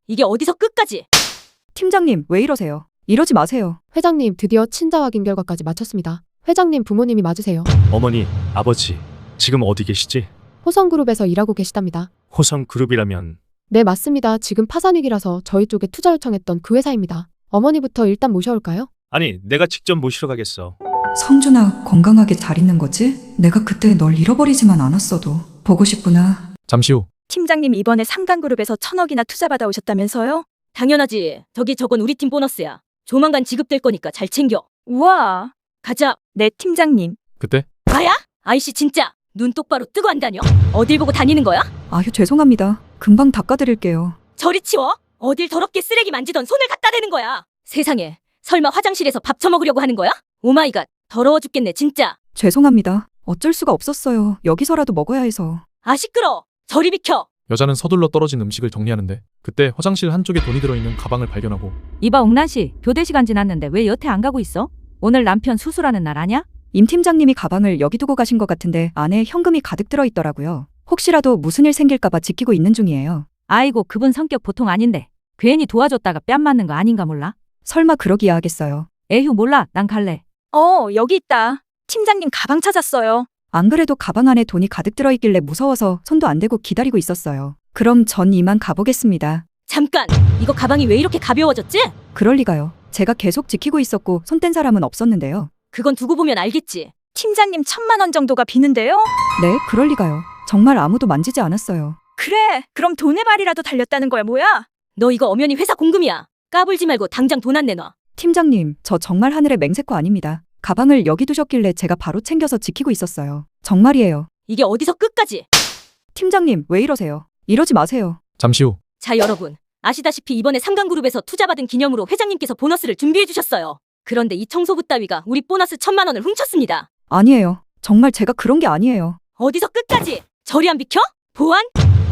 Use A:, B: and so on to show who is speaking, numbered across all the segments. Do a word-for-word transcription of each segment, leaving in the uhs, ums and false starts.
A: 이게 어디서 끝까지?
B: 팀장님, 왜 이러세요? 이러지 마세요.
C: 회장님, 드디어 친자 확인 결과까지 마쳤습니다. 회장님 부모님이 맞으세요.
D: 어머니, 아버지, 지금 어디 계시지?
C: 호성그룹에서 일하고 계시답니다.
D: 호성그룹이라면
C: 네, 맞습니다. 지금 파산위기라서 저희 쪽에 투자 요청했던 그 회사입니다. 어머니부터 일단 모셔올까요?
D: 아니, 내가 직접 모시러 가겠어.
B: 성준아, 건강하게 잘 있는 거지? 내가 그때 널 잃어버리지만 않았어도 보고 싶구나.
E: 잠시 후
A: 팀장님 이번에 삼강그룹에서 천억이나 투자받아 오셨다면서요? 당연하지. 저기 저건 우리 팀 보너스야. 조만간 지급될 거니까 잘 챙겨. 우와. 가자. 네, 팀장님.
E: 그때
A: 나야? 아이씨 진짜. 눈 똑바로 뜨고 안 다녀? 어딜 보고 다니는 거야?
B: 아휴, 죄송합니다. 금방 닦아드릴게요.
A: 저리 치워. 어딜 더럽게 쓰레기 만지던 손을 갖다 대는 거야. 세상에. 설마 화장실에서 밥 처먹으려고 하는 거야? 오마이갓. 더러워 죽겠네 진짜.
B: 죄송합니다. 어쩔 수가 없었어요. 여기서라도 먹어야 해서.
A: 아 시끄러. 저리 비켜.
E: 여자는 서둘러 떨어진 음식을 정리하는데 그때 화장실 한쪽에 돈이 들어있는 가방을 발견하고
F: 이봐 옥란씨, 교대 시간 지났는데 왜 여태 안 가고 있어? 오늘 남편 수술하는 날 아냐?
B: 임 팀장님이 가방을 여기 두고 가신 것 같은데 안에 현금이 가득 들어있더라고요. 혹시라도 무슨 일 생길까봐 지키고 있는 중이에요.
F: 아이고 그분 성격 보통 아닌데 괜히 도와줬다가 뺨 맞는 거 아닌가 몰라?
B: 설마 그러기야 하겠어요.
F: 에휴 몰라, 난 갈래.
A: 어 여기 있다. 팀장님 가방 찾았어요.
B: 안 그래도 가방 안에 돈이 가득 들어있길래 무서워서 손도 안 대고 기다리고 있었어요. 그럼 전 이만 가보겠습니다.
A: 잠깐. 이거 가방이 왜 이렇게 가벼워졌지?
B: 그럴 리가요. 제가 계속 지키고 있었고 손 뗀 사람은 없었는데요.
A: 그건 두고 보면 알겠지. 팀장님 천만 원 정도가 비는데요?
B: 네, 그럴 리가요. 정말 아무도 만지지 않았어요.
A: 그래. 그럼 돈의 발이라도 달렸다는 거야 뭐야? 너 이거 엄연히 회사 공금이야. 까불지 말고 당장 돈 안 내놔.
B: 팀장님, 저 정말 하늘의 맹세코 아닙니다. 가방을 여기 두셨길래 제가 바로 챙겨서 지키고 있었어요. 정말이에요.
A: 이게 어디서 끝까지?
B: 팀장님, 왜 이러세요? 이러지 마세요.
E: 잠시 후
A: 자 여러분. 아시다시피 이번에 삼강그룹에서 투자받은 기념으로 회장님께서 보너스를 준비해 주셨어요. 그런데 이 청소부 따위가 우리 보너스 천만 원을 훔쳤습니다.
B: 아니에요. 정말 제가 그런 게 아니에요.
A: 어디서 끝까지? 저리 안 비켜? 보안?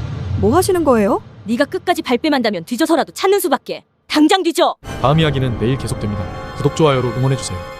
B: 뭐 하시는 거예요?
A: 네가 끝까지 발뺌한다면 뒤져서라도 찾는 수밖에. 당장 뒤져.
E: 다음 이야기는 내일 계속됩니다. 구독, 좋아요로 응원해주세요.